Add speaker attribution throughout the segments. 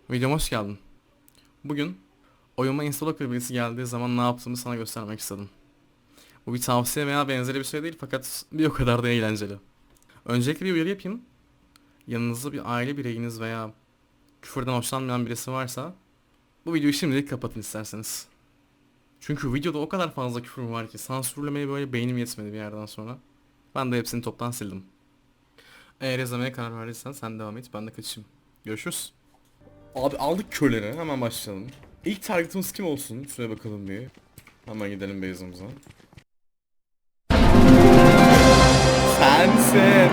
Speaker 1: Videoma hoş geldin. Bugün oyunuma Instalocker birisi geldiği zaman ne yaptığımı sana göstermek istedim. Bu bir tavsiye veya benzeri bir şey değil fakat bir o kadar da eğlenceli. Öncelikle bir uyarı yapayım. Yanınızda bir aile bireyiniz veya küfürden hoşlanmayan birisi varsa bu videoyu şimdilik kapatın isterseniz. Çünkü videoda o kadar fazla küfür var ki sansürlemeye böyle beynim yetmedi bir yerden sonra. Ben de hepsini toptan sildim. Eğer izlemeye karar verdiysen sen devam et, ben de kaçayım. Görüşürüz. Abi aldık köleri, hemen başlayalım. İlk targetımız kim olsun? Şuraya bakalım bir. Hemen gidelim base'ımıza. Sensin.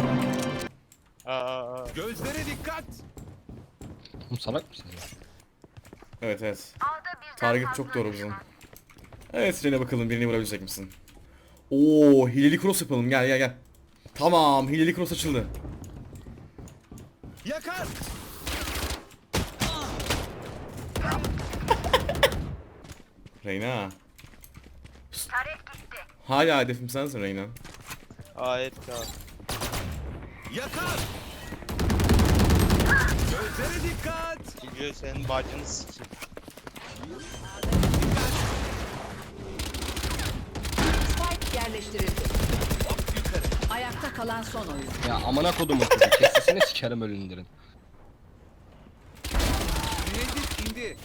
Speaker 2: Gözlere dikkat.
Speaker 3: Oğlum salak mısın ya?
Speaker 1: Evet. Target çok doğru bizim. Evet, Jen'e bakalım birini vurabilecek misin? Oo, hileli cross yapalım, gel. Tamam, hileli cross açıldı.
Speaker 2: Yakar.
Speaker 1: Reyna. Hala hedefim sensin Reyna.
Speaker 4: Ayet ya.
Speaker 2: Yakar. Gözlere dikkat.
Speaker 4: Çünkü senin bacını sikeyim.
Speaker 5: Spike yerleştirildi. Ayakta kalan son oyun.
Speaker 3: Ya amına kodumun kızı kesesini sikerim ölündirin.
Speaker 2: Mühendis indi.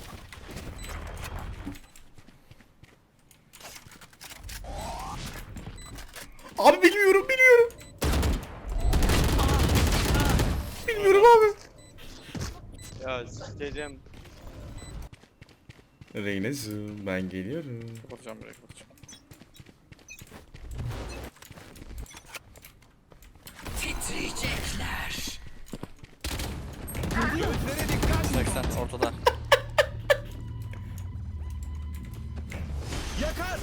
Speaker 1: Abi bilmiyorum. Bilmiyorum abi.
Speaker 4: Ya sikeceğim.
Speaker 1: Reyna'cığım ben geliyorum.
Speaker 4: Kapatacağım burayı kapatacağım.
Speaker 5: Titriyecekler.
Speaker 2: Gözlere dikkat.
Speaker 4: 80 ortada.
Speaker 2: Yakar.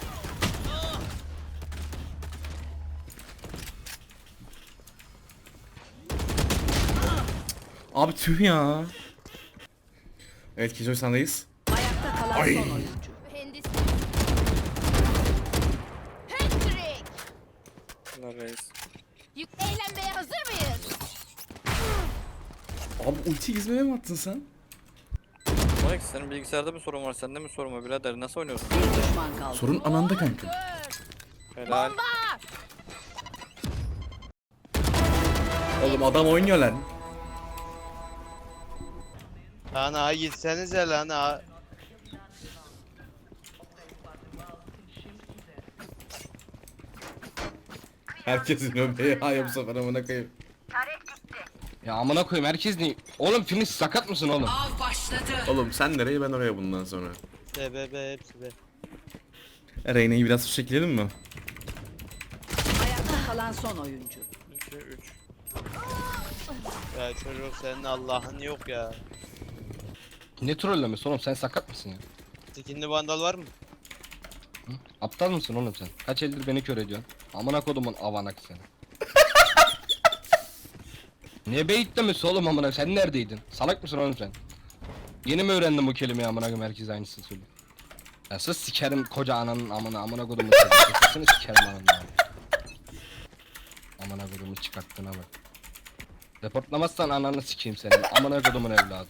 Speaker 1: Abi tüh ya. Evet Kijoy sendeyiz.
Speaker 5: Ayakta kalan
Speaker 1: Ay.
Speaker 5: son oyuncu.
Speaker 6: Mühendis. Patrick.
Speaker 4: Bunlar reis.
Speaker 6: Eğlenmeye hazır mıyız?
Speaker 1: Abi ulti gizmeye mi attın sen?
Speaker 4: Mike senin bilgisayarda mı sorun var sende mi sorun var birader nasıl oynuyorsun?
Speaker 5: Bir düşman kaldı.
Speaker 1: Sorun ananda kanka.
Speaker 4: Helal.
Speaker 1: Oğlum adam oynuyor lan.
Speaker 4: Lan ha gitsenize lan ha.
Speaker 1: Herkesin öbeği ya bu sefer amına koyayım.
Speaker 3: Ya amına koyayım herkes ne? Oğlum Phoenix sakat mısın oğlum?
Speaker 5: Av başladı.
Speaker 1: Oğlum sen nereye ben oraya bundan sonra.
Speaker 4: TBB hepsi de.
Speaker 1: Reyna'yı biraz çekilelim mi?
Speaker 5: Ayakta kalan son oyuncu.
Speaker 4: 2 3. Ya çocuk senin Allah'ın yok ya.
Speaker 3: Ne trollemesi oğlum sen sakat mısın ya?
Speaker 4: Skinli vandal var mı?
Speaker 3: Hı? Aptal mısın oğlum sen? Kaç eldir beni kör ediyorsun? Amına kodumun avanak seni. Ne beyitlemesi oğlum amına sen neredeydin? Salak mısın oğlum sen? Yeni mi öğrendin bu kelimeyi amına koyayım herkes aynısını söylüyor. Ya sus sikerim koca ananın amına kodumun seni. Sesini sikerim ananın amına kodumun çıkarttığına bak. Reportlamazsan ananı sikeyim senin. Amına kodumun evladı.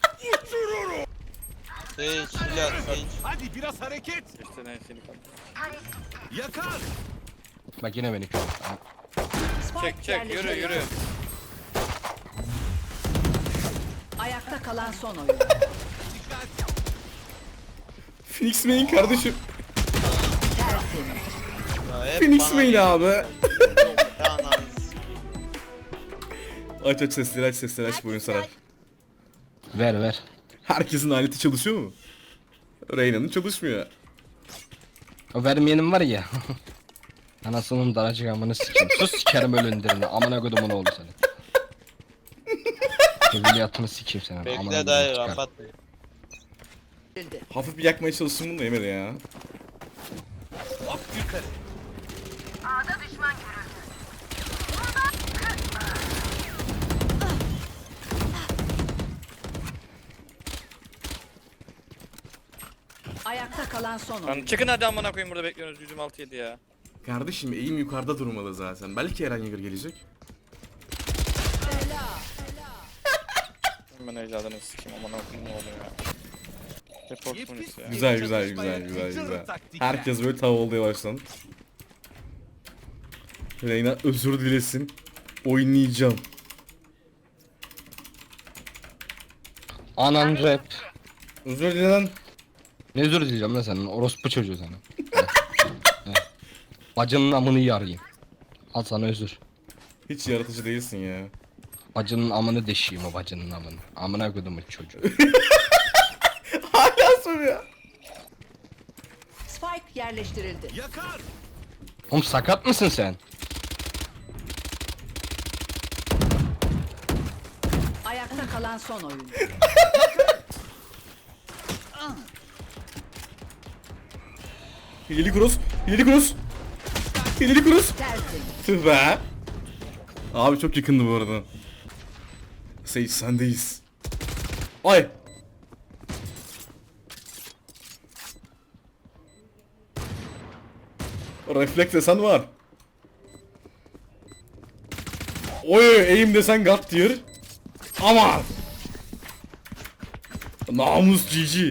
Speaker 4: Sage silah Sage.
Speaker 2: Hadi biraz hareket.
Speaker 4: İşte ne seni kaldı.
Speaker 2: Yakar.
Speaker 3: Bak yine beni kör.
Speaker 5: Spike
Speaker 4: Çek yürü
Speaker 5: yerleştirildi.
Speaker 4: yürü.
Speaker 5: Ayakta kalan son oyuncu.
Speaker 2: Dikkat.
Speaker 1: Phoenix main kardeşim.
Speaker 5: Tertemiz.
Speaker 4: Ya hep
Speaker 1: Phoenix
Speaker 4: bana
Speaker 1: main abi.
Speaker 4: Ya ananı
Speaker 1: Aç sesleri aç bu oyun sarar.
Speaker 3: Ver ver.
Speaker 1: Herkesin aleti çalışıyor mu? Reyna'nın çalışmıyor.
Speaker 3: O vermeyenim var ya. Anasının daracık amını sikeyim. Sus sikerim ölündirini. Amına kodumun oğlu seni. Evliyatını sikeyim senin. Amına
Speaker 4: Bekle
Speaker 3: kodumun
Speaker 4: dayı
Speaker 3: çıkar.
Speaker 4: kapat.
Speaker 1: Hafif bir yakmaya çalıştım bunu da yemedi ya.
Speaker 2: Hop yukarı.
Speaker 5: Ayakta kalan son
Speaker 4: Lan
Speaker 5: oyuncu.
Speaker 4: çıkın hadi amına koyayım burada bekliyorsunuz 106 7 ya.
Speaker 1: Kardeşim eğim yukarıda durmalı zaten. Belki Eren Yeager gelecek.
Speaker 4: ben ecdadını sikeyim aman okuyayım ne oluyor ya. Report polisi ya.
Speaker 1: Güzel güzel güzel güzel güzel. Herkes böyle tav olmaya başladı. Reyna özür dilesin. Oynayacağım.
Speaker 3: Anan rap.
Speaker 1: Özür dilerim.
Speaker 3: Ne özür dileyeceğim lan senin orospu çocuğu sana. Bacının amını yarayım. Al sana özür.
Speaker 1: Hiç yaratıcı değilsin ya.
Speaker 3: Bacının amını deşeyim o bacının amını. Amına kodumun çocuğu.
Speaker 1: Hala soruyor.
Speaker 5: Spike yerleştirildi.
Speaker 2: Yakar.
Speaker 3: Oğlum sakat mısın sen?
Speaker 5: Ayakta kalan son oyuncu.
Speaker 1: Hileli cross. Hileli cross. Hileli cross.
Speaker 5: Tertemiz.
Speaker 1: Tüh be. Abi çok yakındı bu arada. Sage sendeyiz. Ay. Refleks desen var. Oy aim desen God tier. Aman. Namus GG.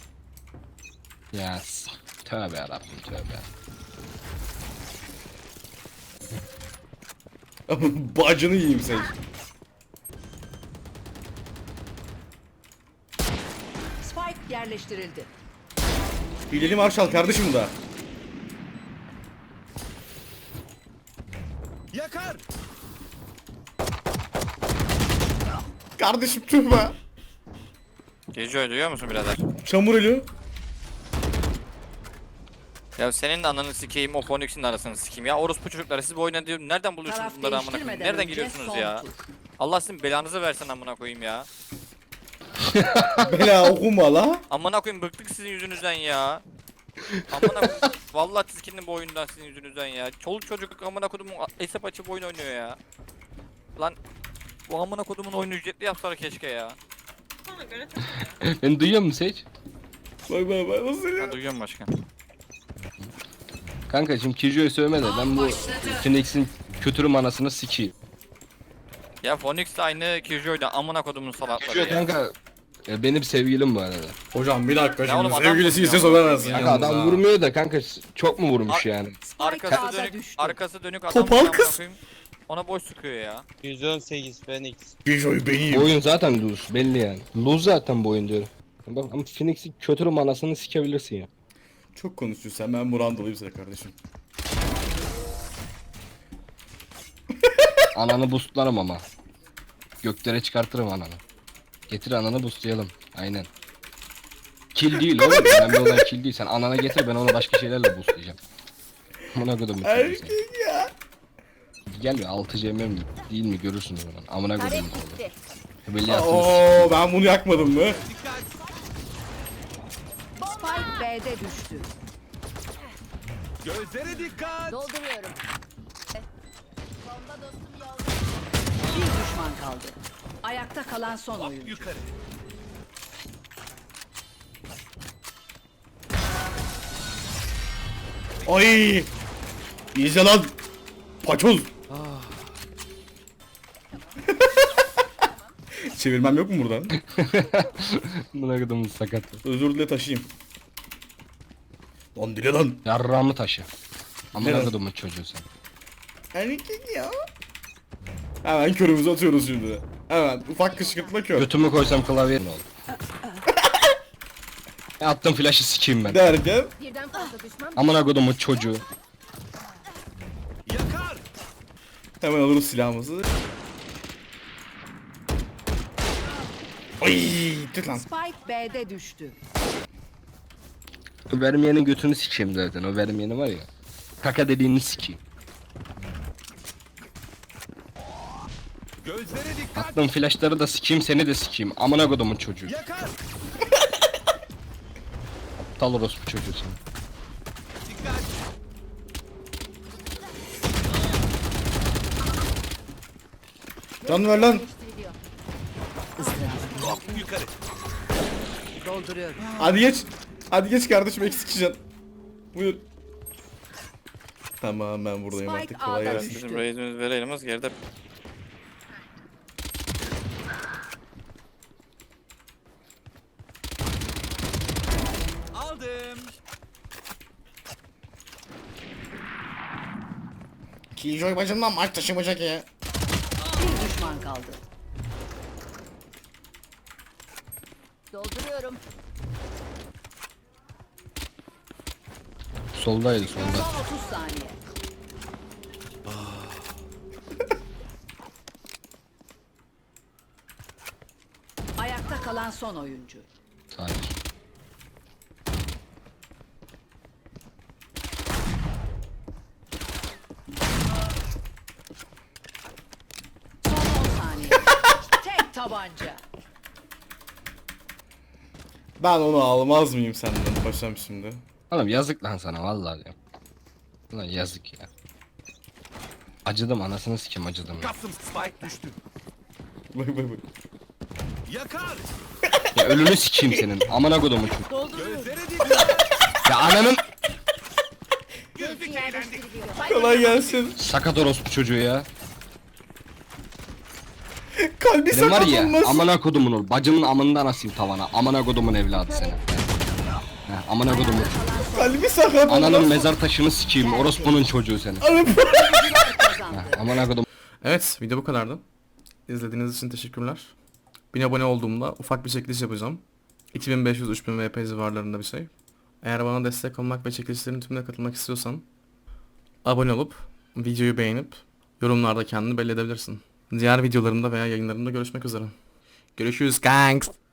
Speaker 3: Yes. Tövbe yarabbim tövbe.
Speaker 1: Bacını yiyeyim Sage.
Speaker 5: Spike yerleştirildi.
Speaker 1: Hileli Marshall kardeşim bu da.
Speaker 2: Yakar.
Speaker 1: Kardeşim tüh be.
Speaker 4: Gece duyuyor musun birader?
Speaker 1: Çamur ölü.
Speaker 4: Ya senin de ananı sikeyim o Phoenix'in de arasını sikeyim ya orospu çocuklar siz bu oyuna diyorum nereden buluyorsunuz
Speaker 5: Taraf
Speaker 4: bunları amına koyayım
Speaker 5: değiştirmeden
Speaker 4: nereden
Speaker 5: önce
Speaker 4: geliyorsunuz
Speaker 5: son
Speaker 4: ya
Speaker 5: tur.
Speaker 4: Allah sizin belanızı versin amına koyayım ya
Speaker 1: Bela okuma la.
Speaker 4: amına koyayım bıktık sizin yüzünüzden ya amına koyayım vallahi tiskindim bu oyundan sizin yüzünüzden ya çoluk çocuk amına kodumun hesap açıp oyun oynuyor ya lan bu amına kodumun oyunu ücretli yapsalar keşke ya
Speaker 3: Beni duyuyor musun Sage?
Speaker 1: Bak bak bak nasıl
Speaker 4: ben
Speaker 1: ya.
Speaker 4: duyuyorum başkan
Speaker 3: Kanka şimdi Kijo'yu sövme de ben bu Phoenix'in kötürüm anasını sikeyim.
Speaker 4: ya Phoenix de aynı Killjoy'da amına kodumun salakları
Speaker 3: Kijo
Speaker 4: ya
Speaker 3: kanka benim sevgilim bu arada.
Speaker 1: Hocam bir dakika
Speaker 4: Ya oğlum
Speaker 1: şimdi
Speaker 4: adam
Speaker 1: sevgilisi ise
Speaker 4: vurmuyor.
Speaker 1: sövemezsin.
Speaker 3: Kanka
Speaker 1: yalnız
Speaker 3: adam
Speaker 1: ha.
Speaker 3: vurmuyor da kanka çok mu vurmuş yani?
Speaker 4: arkası
Speaker 5: Spike
Speaker 4: dönük
Speaker 5: düştü.
Speaker 4: arkası dönük adam
Speaker 1: Topal
Speaker 4: amına
Speaker 1: kız.
Speaker 4: koyayım, ona boş sıkıyor ya
Speaker 7: 118 Phoenix.
Speaker 1: Kijoy
Speaker 3: Bu
Speaker 1: benim.
Speaker 3: oyun zaten lose belli yani. Lose zaten bu oyun diyorum. Bak ama Phoenix'in kötürüm anasını sikebilirsin ya.
Speaker 1: Çok konuşuyorsun sen, ben bu round alayım size kardeşim.
Speaker 3: Ananı boostlarım ama. Göklere çıkartırım ananı. Getir ananı boostlayalım. Aynen. Kill değil oğlum. Önemli olan kill değil. Sen anana getir ben onu başka şeylerle boostlayacağım. Amına koydum.
Speaker 1: Erkek ya.
Speaker 3: Gel be 6 CM mi değil mi görürsünüz onu. Amına koydum.
Speaker 6: Tarek gitti.
Speaker 3: Böyle yaptınız.
Speaker 1: Oo ben bunu yakmadım mı?
Speaker 2: Dikkat.
Speaker 5: Spike B'de düştü.
Speaker 2: Gözlere dikkat.
Speaker 6: Dolduruyorum. Bomba dostum yolda.
Speaker 5: Bir düşman kaldı. Ayakta kalan son oyuncu.
Speaker 2: Yukarı.
Speaker 1: Ay. İyice lan. Paçoz. Çevirmem yok mu buradan?
Speaker 3: Amına koydum sakat.
Speaker 1: Özür dile taşıyayım. Lan dile lan.
Speaker 3: Yarrağımı taşı. Amına
Speaker 1: Neden?
Speaker 3: koydum çocuğu sen.
Speaker 1: Erkek ya. Hemen körümüzü atıyoruz şimdi. Hemen ufak kışkırtma kör.
Speaker 3: Götümü koysam klavye ne olur? Attım flash'ı sikeyim ben.
Speaker 1: Derken
Speaker 6: Birden fazla düşman.
Speaker 3: Amına koydum çocuğu.
Speaker 2: Yakar.
Speaker 1: hemen alırız silahımızı. Ay, tut lan.
Speaker 5: Spike B'de düştü.
Speaker 3: Vermeyenin götünü sikeyim zaten. O vermeyeni var ya. Kaka dediğini sikeyim.
Speaker 2: Gözlere dikkat.
Speaker 3: Attım flashları da sikeyim seni de sikeyim. Amına kodumun çocuğu.
Speaker 2: Yakar.
Speaker 3: Aptal orospu çocuğu sen.
Speaker 2: Dikkat.
Speaker 1: Can ver lan.
Speaker 6: Değiştiriliyor.
Speaker 2: Hop yukarı.
Speaker 5: Dolduruyorum.
Speaker 1: Hadi geç. Hadi geç kardeşim, eksik can. Buyur. Tamam ben buradayım
Speaker 5: Spike
Speaker 1: artık, kolay
Speaker 5: A'da
Speaker 1: gelsin.
Speaker 5: düştü.
Speaker 4: bizim raidimiz verelim geride
Speaker 1: Killjoy bacımdan maç taşımayacak ya.
Speaker 5: Bir düşman kaldı.
Speaker 6: Dolduruyorum.
Speaker 3: Soldaydı solda.
Speaker 5: Son 30 saniye. Ayakta kalan son oyuncu.
Speaker 3: Hayır.
Speaker 5: Son 10 saniye. Tek tabanca.
Speaker 1: Ben onu almaz mıyım senden paşam şimdi?
Speaker 3: Oğlum yazık lan sana vallahi diyorum. Ulan yazık ya. Acıdım anasını sikim acıdım ya.
Speaker 2: Kaptım. Spike düştü.
Speaker 1: Bak bak bak.
Speaker 2: Yakar.
Speaker 3: Ya ölünü sikeyim senin. Amına kodumun çünkü.
Speaker 2: Gözlere dikkat.
Speaker 3: Ya ananın
Speaker 2: Gözlük eğlendi.
Speaker 1: Kolay gelsin.
Speaker 3: sakat orospu çocuğu ya.
Speaker 1: Kalbi
Speaker 3: Benim var
Speaker 1: sakat
Speaker 3: ya
Speaker 1: olmasın.
Speaker 3: amına kodumun ol. Bacımın amından asayım tavana. Amına kodumun evladı seni. Heh, amına kodumun.
Speaker 1: Kalbi sakat
Speaker 3: Ananın
Speaker 1: olmasın.
Speaker 3: mezar taşını sikeyim. Orospunun çocuğu seni.
Speaker 5: Kazandı.
Speaker 3: Heh, amına kodum.
Speaker 1: Evet, video bu kadardı. İzlediğiniz için teşekkürler. 1000 abone olduğumda ufak bir çekiliş yapacağım. 2500-3000 VP civarlarında bir şey. Eğer bana destek olmak ve çekilişlerin tümüne katılmak istiyorsan abone olup videoyu beğenip yorumlarda kendini belli edebilirsin. Diğer videolarımda veya yayınlarımda görüşmek üzere. Görüşürüz kanks.